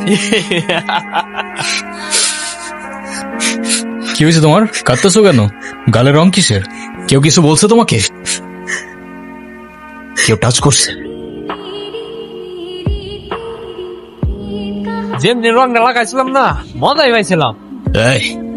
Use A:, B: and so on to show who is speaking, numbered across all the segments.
A: কি হয়েছে তোমার? কাঁদতেছো কেন? গালের রং কিসের? কেউ কিছু বলছে তোমাকে? কেউ টাচ করছে?
B: যেমনি রংটা লাগাইছিলাম না, মজাই পাইছিলাম।
A: এই,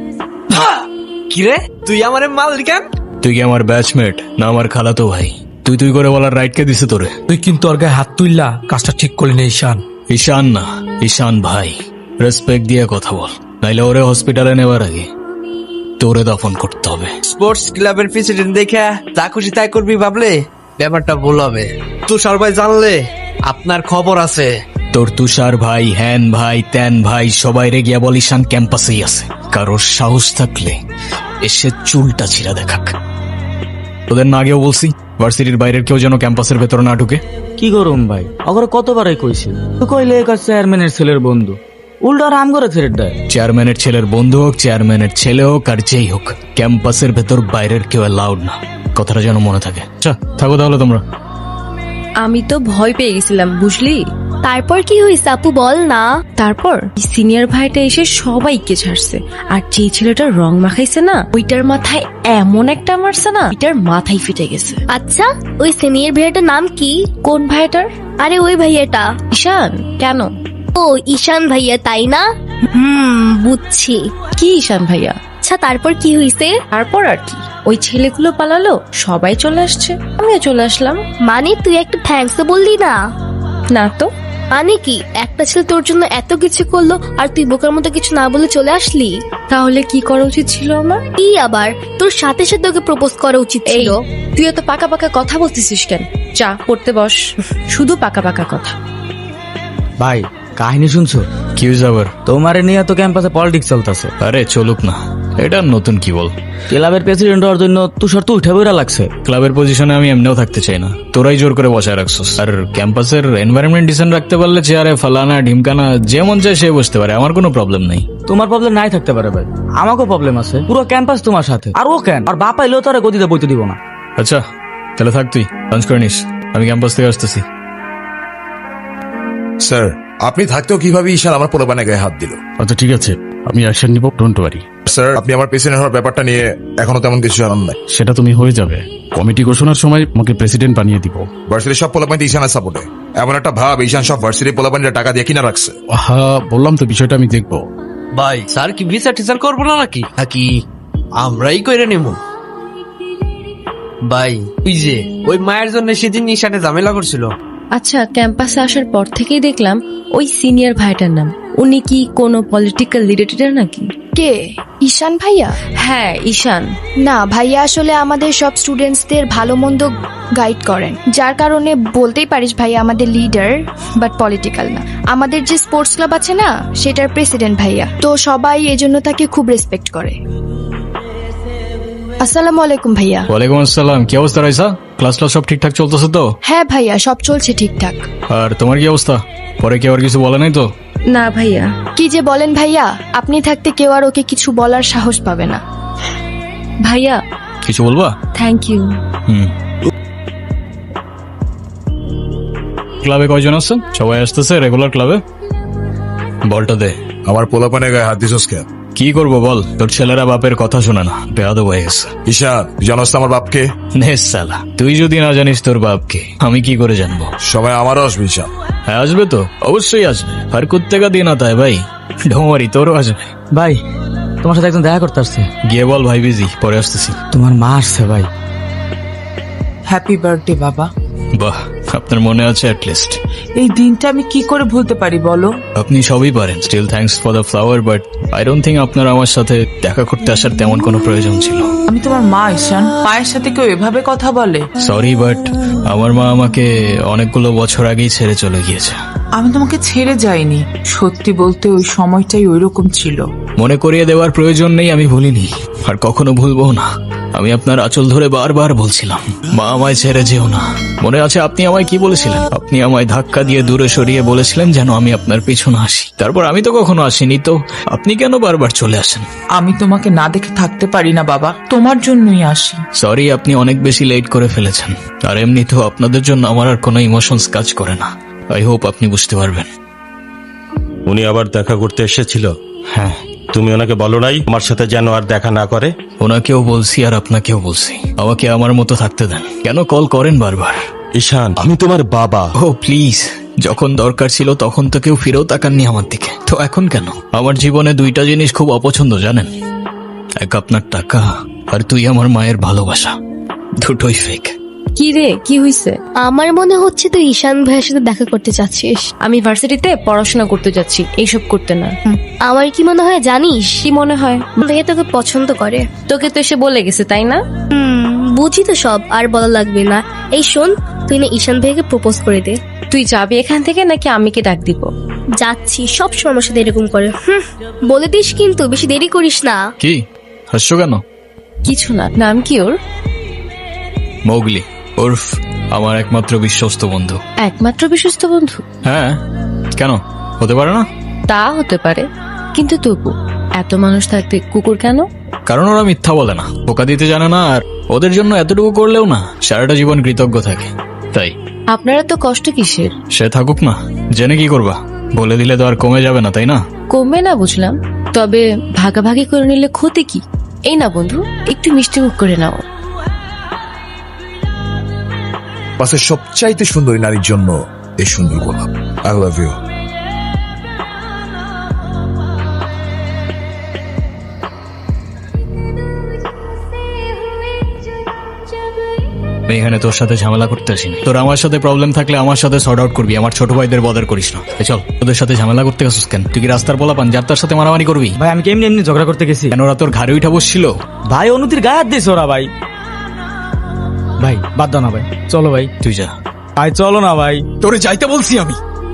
B: কিরে তুই আমারে মাল কেন?
A: তুই কি আমার ব্যাচমেট না আমার খালাতো ভাই? তুই তুই করে বলার রাইট কে দিছে তোরে?
C: তুই কিন্তু ওর গায়ে হাত তুললা, কাজটা ঠিক করলি না ঈশান।
A: ঈশান না, ঈশান ভাই। রেসপেক্ট দিয়ে কথা বল, নাইলে ওরে হসপিটালে নেওয়ার আগে তোরে দফন করতে হবে।
B: স্পোর্টস ক্লাবের প্রেসিডেন্ট দেখে যা খুশি তাই করবি ভাবলে ব্যাপারটা ভুল হবে। তুষার ভাই জানলে আপনার খবর আছে।
A: তোর তুষার ভাই, হ্যান ভাই, ত্যান ভাই সবাই রে গিয়া বল ঈশান ক্যাম্পাসেই আছে। কারোর সাহস থাকলে এসে চুলটা ছিঁড়া দেখাক। তোদের না আগেও বলছি ভার্সিটির বাইরের কেউ যেন ক্যাম্পাসের ভেতর না ঢুকে।
D: কি করুম ভাই, অগরে কতবারই কইছি, তো কইলে একা চেয়ারম্যানের ছেলের বন্ধু, উল্টা রাম করে ছেড়ে দেয়।
A: চেয়ারম্যানের ছেলের বন্ধু হোক, চেয়ারম্যানের ছেলে হোক আর যেই হোক, ক্যাম্পাসের ভেতর বাইরের কেউ অ্যালাউড না। কথাটা যেন মনে থাকে। থাকো তাহলে তোমরা।
E: আমি তো ভয় পেয়ে গেছিলাম বুঝলি।
F: তারপর কি হয়েছে আপু বল না।
E: তারপর সিনিয়র ভাইটা এসে সবাইকে ছাড়ছে, আর যে ছেলেটা রং মাখাইছে না, ওইটার মাথায় এমন একটা মারছে না, ওইটার মাথায় ফিটে গেছে।
F: আচ্ছা ওই সিনিয়র ভাইয়াটার নাম কি?
E: কোন ভাইটার?
F: আরে ওই ভাইয়াটা।
E: ঈশান। কেন?
F: ও ঈশান ভাইয়া তাই না? বুঝছি।
E: কি ঈশান ভাইয়া?
F: আচ্ছা তারপর কি হয়েছে?
E: তারপর আর কি, ওই ছেলেগুলো পালালো, সবাই চলে আসছে, আমিও চলে আসলাম।
F: মানে তুই একটা থ্যাঙ্কস তো বললি না?
E: না তো।
F: মানে কি একটা ছেলে তোর জন্য এত কিছু করলো আর তুই বোকার মতো কিছু না বলে চলে আসলি?
E: তাহলে কি করা উচিত ছিল আমার?
F: কি আবার তোর সাথে সাথে ওকে প্রপোজ করা উচিত ছিল।
E: তুই এত পাকা পাকা কথা বলতেছিস কেন? চা পড়তে বস, শুধু পাকা পাকা কথা।
D: ভাই কাহিনী শুনছো?
A: কি হয়েছে আবার?
D: তোমারে নিয়ে তো ক্যাম্পাসে পলিটিক্স চলতেছে।
A: আরে চলুক না, এটা নতুন কি বল।
D: ক্লাবের প্রেসিডেন্ট হওয়ার জন্য তুষার তো উঠে বইরা লাগছে।
A: ক্লাবের পজিশনে আমি এমনিও থাকতে চাই না, তোরাই জোর করে বসায় রাখছস। আর ক্যাম্পাসের এনভায়রনমেন্ট ডিসেন্ট রাখতে পারলে চেয়ারে ফালানা ঢিমকানা যেমন চায় সে বসতে পারে, আমার কোনো প্রবলেম নাই।
D: তোমার প্রবলেম নাই থাকতে পারে ভাই, আমাকেও প্রবলেম আছে। পুরো ক্যাম্পাস তোমার সাথে, আর ও কেন? আর বাপ এলেও তারা গদিতে বইতে দিব না।
A: আচ্ছা তাহলে থাক, তুই লাঞ্চ করে নিস, আমি ক্যাম্পাস থেকে আসতেছি।
G: স্যার আপনি থাকতেও কিভাবে ঈশান আমার পোলাপানে গায়ে হাত দিল?
H: আচ্ছা ঠিক আছে, আমি অ্যাকশন নিব, ডোন্ট ওয়ারি।
G: স্যার আপনি আমার প্রেসিডেন্ট হওয়ার ব্যাপারটা নিয়ে এখনো তেমন কিছু জানান নাই।
H: সেটা তুমি হয়ে যাবে, কমিটি ঘোষণার সময় আমাকে প্রেসিডেন্ট বানিয়ে দিব।
G: ভার্সিটির সব পোলাপানি ঈশানের সাপোর্টে। এমন একটা ভাব ঈশান সব ভার্সিটির পোলাপানিরা টাকা দিয়ে কিনা রাখছে।
H: হ্যাঁ বললাম তো, বিষয়টা আমি দেখবো।
B: ভাই স্যার কি বিচার টিচার করবো না নাকি আমরাই কইরে নেব? ভাই তুই যে ওই মায়ের জন্য সেদিন ঈশানে ঝামেলা করছিল।
E: আচ্ছা ক্যাম্পাসে আসার পর থেকেই দেখলাম ওই সিনিয়র ভাইটার নাম, উনি কি কোনো পলিটিক্যাল লিডার নাকি?
I: কে? ঈশান ভাইয়া?
E: হ্যাঁ ঈশান।
I: না ভাইয়া আসলে আমাদের সব স্টুডেন্টসদের ভালো মন্দ গাইড করেন, যার কারণে বলতেই পারিস ভাইয়া আমাদের লিডার, বাট পলিটিক্যাল না। আমাদের যে স্পোর্টস ক্লাব আছে না, সেটার প্রেসিডেন্ট ভাইয়া, তো সবাই এজন্য তাকে খুব রেসপেক্ট করে। আসসালামু আলাইকুম ভাইয়া।
A: ওয়ালাইকুম আসসালাম। কি অবস্থা রাইসা? ক্লাস সব ঠিকঠাক চলতেছে তো?
I: হ্যাঁ ভাইয়া সব চলছে ঠিকঠাক।
A: আর তোমার কি অবস্থা? পরে কেউ আর কিছু বলে নাই তো?
E: না ভাইয়া।
I: কি যে বলেন ভাইয়া, আপনি থাকতে কেউ আর ওকে কিছু বলার সাহস পাবে না।
E: ভাইয়া
A: কিছু বলবা?
E: Thank you.
A: ক্লাবে কয়জন আছেন? সবাই আসতেছে রেগুলার ক্লাবে? বলটা দে।
G: আমার পোলাপানে গায়ে হাত দিছস কেন?
A: কি করবো বল, তোর ছেলেরা বাপের কথা শোনে না, বেয়াদব হয়ে গেছে।
G: ঈশান তুই জানোস তো আমার বাপকে?
A: নে সালা, তুই যদি না জানিস তোর বাপকে, আমি কি করে জানবো?
G: সময় আমারও আসবে ঈশান।
A: হ্যাঁ আসবে তো, অবশ্যই আসবে। আর কুত্তেকা দিন আতা হয় ভাই, ঢোমারি তোরও আসবে।
D: ভাই তোমার সাথে একজন দেখা করতে আসছে।
A: গিয়ে বল ভাই বিজি, পরে আসতেছি।
D: তোমার মা আসছে ভাই।
J: হ্যাপি বার্থডে বাবা।
A: বাহ, আপনার মনে আছে অ্যাটলিস্ট।
J: এই দিনটা আমি কি করে ভুলতে পারি বলো?
A: আপনি সবই পারেন, still thanks for the flower, but I don't think আপনার আমার সাথে দেখা করতে আসার তেমন কোনো প্রয়োজন ছিল।
J: আমি তোমার মা ঈশান, মায়ের সাথে কেউ এভাবে কথা বলে?
A: সরি, বাট আমার মা আমাকে অনেকগুলো বছর আগেই ছেড়ে চলে গিয়েছে।
J: আমি তোমাকে ছেড়ে যাইনি, সত্যি বলতে ওই সময়টাই ওইরকম ছিল।
A: মনে করিয়ে দেওয়ার প্রয়োজন নেই, আমি ভুলিনি আর কখনো ভুলবো না। আমি আপনার আঁচল ধরে বারবার বলছিলাম, মা আমায় ছেড়ে যেও না। মনে আছে আপনি আমায় কি বলেছিলেন? আপনি আমায় ধাক্কা দিয়ে দূরে সরিয়ে বলেছিলেন যেন আমি আপনার পিছনে আসি। তারপর আমি তো কখনো আসিনি, তো আপনি কেন বারবার চলে আসেন?
J: আমি তোমাকে না দেখে থাকতে পারি না বাবা, তোমার জন্যই আসি।
A: সরি, আপনি অনেক বেশি লেট করে ফেলেছেন। আর এমনিতেও আপনাদের জন্য আমার আর কোনো ইমোশনস কাজ করে না। আই হোপ আপনি বুঝতে পারবেন।
K: উনি আবার দেখা করতে এসেছিল?
A: হ্যাঁ,
K: তুমি ওনাকে বলো নাই আমার সাথে যেন আর দেখা না করে?
A: ওনাকেও বলছি আর আপনাকেও বলছি, আমাকে আমার মতো থাকতে দেন। কেন কল করেন বারবার?
K: ঈশান, আমি তোমার বাবা।
A: ও প্লিজ, যখন দরকার ছিল তখন তো কেউ ফিরেও তাকাননি আমার দিকে, তো এখন কেন? আমার জীবনে দুইটা জিনিস খুব অপছন্দ জানেন, এক আপনার টাকা আর তুই আমার মায়ের ভালোবাসা, দুটোই ফেক।
E: কি রে, কি হইছে?
F: আমার মনে হচ্ছে তুই ঈশান ভাইয়ের সাথে দেখা করতে চাচ্ছিস।
E: আমি ভার্সিটিতে পড়াশোনা করতে যাচ্ছি, এইসব করতে না।
F: আমার কি মনে হয় জানিস,
E: কি মনে হয়?
F: ভাইয়া তোকে পছন্দ করে।
E: তোকে তো এসে বলে গেছে, তাই না?
F: বুঝি তো সব, আর বলা লাগবে না। এই শোন, তুই না ঈশান ভাইকে প্রপোজ করে দে।
E: তুই যাবি এখান থেকে নাকি আমিকে ডাক দিব?
F: যাচ্ছি, সব সময় আমার সাথে এরকম করে। বলে দিস কিন্তু, বেশি দেরি করিস না।
A: কি হাসছো কেন?
E: কিছু না। নাম কি ওর?
A: মৌগলি, ওরফ আমার একমাত্র বিশ্বস্ত বন্ধু।
E: একমাত্র বিশ্বস্ত বন্ধু?
A: হ্যাঁ, কেন হতে পারে না?
E: তা হতে পারে, কিন্তু তবু এত মানুষ থাকতে কুকুর কেন?
A: কারণ ওরা মিথ্যা বলে না, ধোকা দিতে জানে না, আর ওদের জন্য এতটুকু করলেও না সারাটা জীবন কৃতজ্ঞ থাকে, তাই।
E: আপনারা তো কষ্ট কিসের?
A: সে থাকুক না, জেনে কি করবা? বলে দিলে তো আর কমে যাবে না, তাই না?
E: কমবে না বুঝলাম, তবে ভাগাভাগি করে নিলে ক্ষতি কি? এই না বন্ধু, একটু মিষ্টি মুখ করে নাও।
G: বাসের সবচাইতে সুন্দরী নারীর জন্য এই সুন্দর গোলাপ। I love you.
A: আমি এখানে তোর সাথে ঝামেলা করতে আসিনি। তোর আমার সাথে প্রবলেম থাকলে আমার সাথে সর্ট আউট করবি, আমার ছোট ভাইদের বদার করিস না। চল, তোদের সাথে ঝামেলা করতে গেছিস কেন? তুই কি রাস্তার পোলা পান যার তার সাথে মারামারি করবি?
D: ভাই আমি কেমনি এমনি ঝগড়া করতে গেছি?
A: কেন ওরা তোর ঘাড়ে উঠা বসছিল?
D: ভাই অনুতির গায়ে হাত দিয়েছে ওরা। ভাই ভাই বাদ দাও না ভাই, চলো ভাই।
A: তুই যা
D: ভাই চলো না ভাই।
A: তোরে যাইতে বলছি আমি।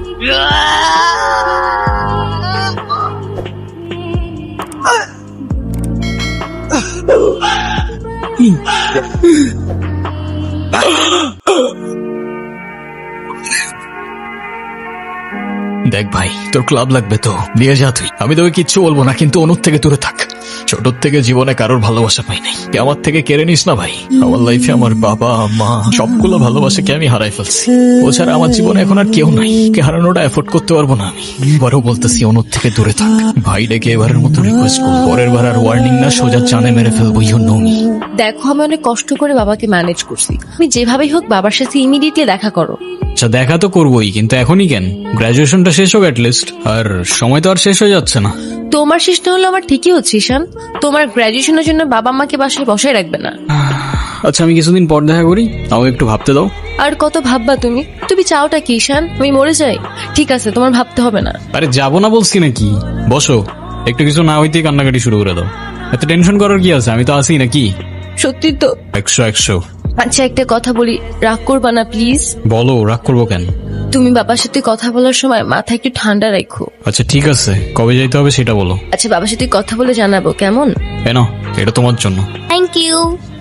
A: দেখ ভাই, তোর ক্লাব লাগবে তো নিয়ে যা তুই, আমি তোকে কিচ্ছু বলবো না, কিন্তু অনুর থেকে দূরে থাক। ছোট থেকে জীবনে কারোর ভালোবাসা পাই নাই, আমার থেকে কেড়ে নিস না ভাই। আমার লাইফে আমার বাবা মা সবগুলো ভালোবাসাকে আমি হারাই ফেলছি, ও ছাড়া আমার জীবনে এখন আর কেউ নাই। কে হারানোটা এফোর্ড করতে পারবো না আমি। এবারও বলতেছি অনুর থেকে দূরে থাক ভাই, ডেকে এবারের মতো রিকোয়েস্ট করবো, পরের বার আর ওয়ার্নিং না, সোজা জানে মেরে ফেলবো। You know me.
E: দেখো, আমি অনেক কষ্ট করে বাবাকে ম্যানেজ করছি, তুমি যেভাবেই হোক বাবার সাথে ইমিডিয়েটলি দেখা করো।
A: আচ্ছা দেখা তো করবোই, কিন্তু এখনই কেন? গ্রাজুয়েশনটা শেষ হোক অ্যাটলিস্ট, আর সময় তো আর শেষ হয়ে যাচ্ছে না।
E: তোমার শেষ না হলো আমার ঠিকই হচ্ছে ঈশান, তোমার গ্রাজুয়েশনের জন্য বাবা মাকে বাসায় বসায় রাখবে না।
A: আচ্ছা আমি কিছুদিন পর দেখা করি, আমাকে একটু ভাবতে দাও।
E: আর কত ভাববা তুমি? তুমি চাওটা কি ঈশান, আমি মরে যাই? ঠিক আছে, তোমার ভাবতে হবে না।
A: আরে যাবো না বলছি নাকি, বসো, একটু কিছু না হইতেই কান্নাকাটি শুরু করে দাও। এত টেনশন করার কি আছে, আমি তো আছি নাকি।
E: সত্যি তো?
A: 100।
E: আচ্ছা একটা কথা বলি, রাগ করবা না প্লিজ?
A: বলো, রাগ করবো কেন?
E: তুমি বাবার সাথে কথা বলার সময় মাথা একটু ঠান্ডা রাখো।
A: আচ্ছা ঠিক আছে, কবে যাইতে হবে সেটা বলো।
E: আচ্ছা বাবার সাথে কথা বলে জানাবো, কেমন?
A: নাও, এটা তোমার জন্য।
F: Thank you.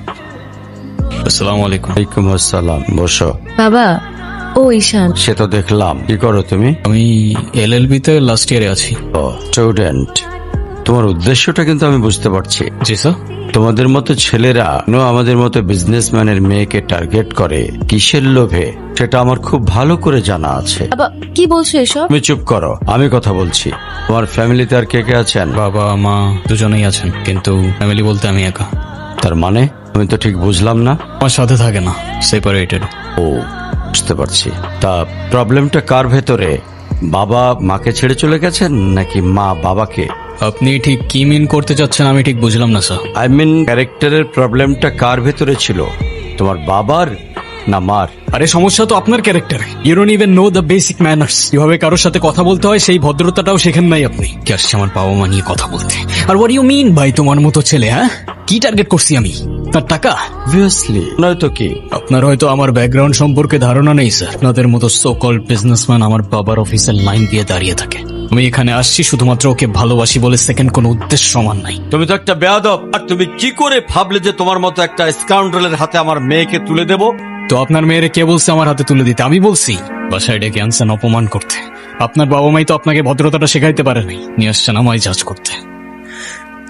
A: আসসালামু আলাইকুম।
K: ওয়ালাইকুম আসসালাম, বসো।
E: বাবা, ও ঈশান।
K: সে তো দেখলাম। কি করো তুমি?
A: আমি LLB তে লাস্ট ইয়ারে আছি।
K: ও স্টুডেন্ট, তোমার উদ্দেশ্যটা কিন্তু আমি বুঝতে পারছি।
A: জি স্যার।
K: তোমাদের মতো ছেলেরা আমাদের মতো বিজনেসম্যানের মেয়েকে টার্গেট করে কিসের লোভে, সেটা আমার খুব ভালো করে জানা আছে।
E: বাবা কি বলছো এসব?
K: তুমি চুপ করো, আমি কথা বলছি। তোমার ফ্যামিলিতে আর কে কে আছেন?
A: বাবা মা দুজনেই আছেন, কিন্তু ফ্যামিলি বলতে আমি একা।
K: তার মানে আমি তো ঠিক বুঝলাম না।
A: আমার সাথে থাকে না, সেপারেটেড।
K: ও বুঝতে পারছি। তা প্রবলেমটা কার ভেতরে? বাবা মাকে ছেড়ে চলে গেছেন নাকি মা বাবাকে?
A: আপনি ঠিক কি মিন করতে চাচ্ছেন আমি ঠিক বুঝলাম না স্যার।
K: আই মিন ক্যারেক্টারের প্রবলেমটা কার ভেতরে ছিল, তোমার বাবার না মার?
A: আরে সমস্যা তো আপনার ক্যারেক্টারে। You don't even know the basic manners, কিভাবে কারোর সাথে কথা বলতে হয় সেই ভদ্রতাটাও শেখেন নাই আপনি। কি আসছে আমার বাবা মা নিয়ে কথা বলতে? আর হোয়াট ইউ মিন ভাই তোমার মতো ছেলে? হ্যাঁ, কি টার্গেট করছি আমি? তার টাকা?
K: অবভিয়াসলি নয়তো কি?
A: আপনার হয়তো আমার ব্যাকগ্রাউন্ড সম্পর্কে ধারণা নেই স্যার। আপনাদের মতো সো কল্ড বিজনেসম্যান আমার বাবার অফিসের লাইন দিয়ে দাঁড়িয়ে থাকে। আমি এখানে আসছি শুধুমাত্র ওকে ভালোবাসি বলে, সেকেন্ড কোনো উদ্দেশ্য সমান নাই।
K: তুমি তো একটা বেয়াদব। আর তুমি কি করে ভাবলে যে তোমার মতো একটা স্কাউন্ডারের হাতে আমার মেয়েকে তুলে দেব?
A: তো আপনার মেয়েরে কে বলছে আমার হাতে তুলে দিতে? আমি বলছি? বাসায় ডেকে আনছেন অপমান করতে। আপনার বাবা মাই তো আপনাকে ভদ্রতাটা শেখাইতে পারেনি, নিয়ে আসছেন আমায় জাজ করতে।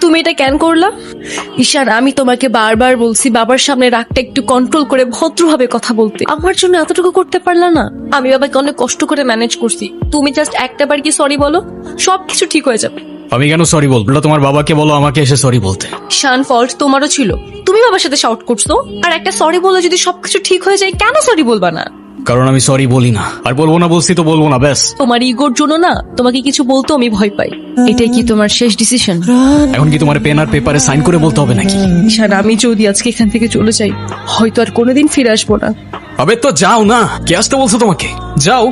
E: তুমি এটা কেন করলা? ঈশান, আমি তোমাকে বারবার বলছি বাবার সামনে রাগটা একটু কন্ট্রোল করে ভদ্রভাবে কথা বলতে। আমার জন্য এতটুকু করতে পারলা না? আমি বাবাকে অনেক কষ্ট করে ম্যানেজ করছি। তুমি জাস্ট একটা বার কি সরি বলো, সবকিছু ঠিক হয়ে যাবে।
A: আমি কেন সরি বলবো? ওটা তোমার বাবাকে বলো আমাকে এসে সরি বলতে।
E: ঈশান, ফল্ট তোমারও ছিল। তুমি বাবার সাথে শাউট করছো, আর একটা সরি বলে যদি সবকিছু ঠিক হয়ে যায়, কেন সরি বলবা না?
A: কারণ আমি সরি বলি না, আর বলবো না বলছি তো বলবো না, ব্যাস।
E: তোমার ইগোর জন্য না তোমাকে কিছু বলতে আমি ভয় পাই। এটাই কি তোমার শেষ ডিসিশন?
A: এখন কি তোমার পেন আর পেপারে সাইন করে বলতে হবে নাকি?
E: ঈশান, আমি যদি আজকে এখান থেকে চলে যাই, হয়তো আর কোনোদিন ফিরে আসবো না।
A: আবে তো যাও না, কে আসতে বলছো তোমাকে? যাও।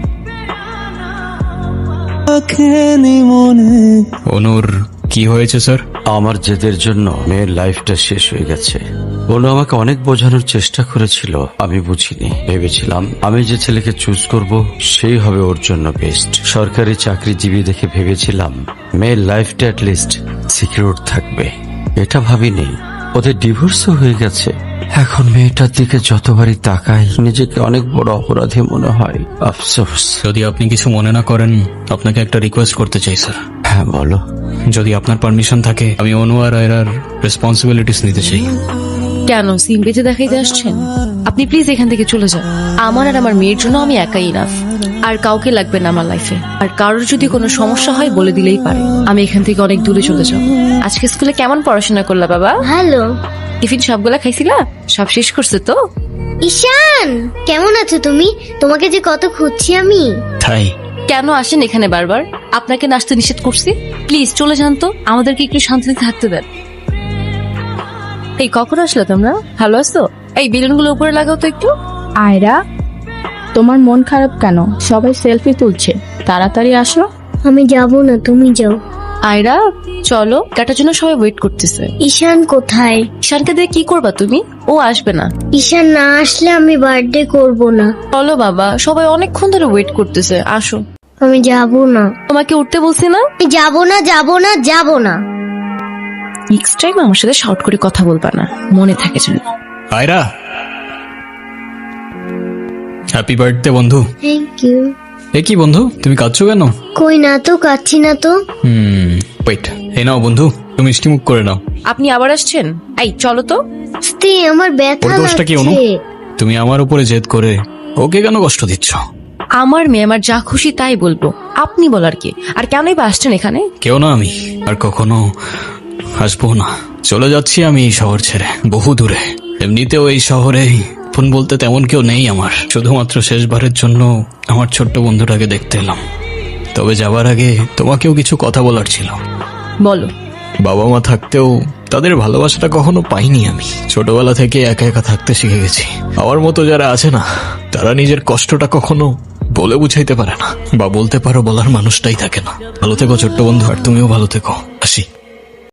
A: অনুর কি হয়েছে স্যার?
K: আমার জেদের জন্য মেয়ের লাইফটা শেষ হয়ে গেছে। অনু আমাকে অনেক বোঝানোর চেষ্টা করেছিল, আমি বুঝিনি। ভেবেছিলাম আমি যে ছেলেকে চুজ করব সেই হবে ওর জন্য বেস্ট। সরকারি চাকরিজীবী দেখে ভেবেছিলাম মেয়ের লাইফটা অ্যাটলিস্ট সিকিউর থাকবে। এটা ভাবিনি ওদের ডিভোর্সও হয়ে গেছে। এখন মেয়েটার দিকে যতবারই তাকাই নিজেকে অনেক বড় অপরাধী মনে হয়। আফসোস।
A: যদি আপনি কিছু মনে না করেন, আপনাকে একটা রিকোয়েস্ট করতে চাই স্যার।
K: হ্যাঁ বলো।
A: যদি আপনার পারমিশন থাকে, আমি অনু আর আয়রার রেসপন্সিবিলিটিস নিতে চাই।
E: কেন সিম বেঁধে দেখাইতে আসছেন? আপনি প্লিজ এখান থেকে চলে যান। আমার আর আমার মেয়ের জন্য আমি একাই ইনাফ, আর কাউকে লাগবে না আমার লাইফে। আর কারোর যদি কোনো সমস্যা হয় বলে দিলেই পারে। আমি এখান থেকে অনেক দূরে চলে যাব। আজকে স্কুলে কেমন পড়াশোনা করলা বাবা?
F: হ্যালো
E: টিফিন সবগুলা খাইছিলা? সব শেষ করছে তো?
F: ঈশান, কেমন আছো তুমি? তোমাকে যে কত খুঁজছি আমি।
A: তাই
E: কেন আসেন এখানে বারবার? আপনাকে নাচতে নিষেধ করছি? প্লিজ চলে যান তো, আমাদেরকে একটু শান্তিতে থাকতে দেন। এই কখন আসলে তোমরা? ভালো আছো? এই বেলুনগুলো উপরে লাগাও তো একটু।
L: আয়রা, তোমার মন খারাপ কেন? সবাই সেলফি তুলছে, তাড়াতাড়ি আসো।
F: আমি যাব না, তুমি যাও।
E: আয়রা চলো, কাটার জন্য সবাই ওয়েট করতেছে।
F: ঈশান কোথায়?
E: ঈশানকে দিয়ে কি করবা তুমি? ও আসবে না।
F: ঈশান না আসলে আমি বার্থডে করব না।
E: চলো বাবা, সবাই অনেকক্ষণ ধরে ওয়েট করতেছে, আসো।
F: আমি যাব না।
E: তোমাকে উঠতে বলছি না?
F: আমি যাব না, যাব না, যাব না।
E: নেক্সট টাইম আমার সাথে শাউট করে কথা বলবা না, মনে থাকে যেন।
A: আয়রা, হ্যাপি বার্থডে বন্ধু।
F: Thank you.
A: এ কি বন্ধু, তুমি কাঁদছো কেন?
F: কই না তো, কাচ্ছি না তো।
A: ওয়েট, এই নাও বন্ধু, তুমি মিষ্টি মুখ করে নাও।
E: আপনি আবার আসছেন? এই চলো তো।
F: স্তে আমার ব্যথা
A: ওর দোষটা কি অনু?
F: লাগছে।
A: তুমি আমার উপরে জেদ করে ওকে কেন কষ্ট দিচ্ছ?
E: আমার মেয়ে আমার যা খুশি তাই বলবো, আপনি বলার কি? আর কেনই বা আসছেন এখানে?
A: কেউ না, আমি আর কখনো আসবো না। চলে যাচ্ছি আমি এই শহর ছেড়ে, বহু দূরে। এমনিতেও এই শহরে ফোন বলতে তেমন কেউ নেই আমার। শুধুমাত্র শেষবারের জন্য আমার ছোট্ট বন্ধুটাকে দেখতে এলাম। তবে যাবার আগে তোমাকেও কিছু কথা বলার ছিল।
E: বলো।
A: বাবা মা থাকতেও তাদের ভালোবাসাটা কখনো পাইনি আমি। ছোটবেলা থেকে একা একা থাকতে শিখে গেছি। আমার মতো যারা আছে না, তারা নিজের কষ্টটা কখনো বলে বুঝাইতে পারে না, বা বলতে পারো বলার মানুষটাই থাকে না। ভালো থেকো ছোট্ট বন্ধু, আর তুমিও ভালো থেকো। আসি।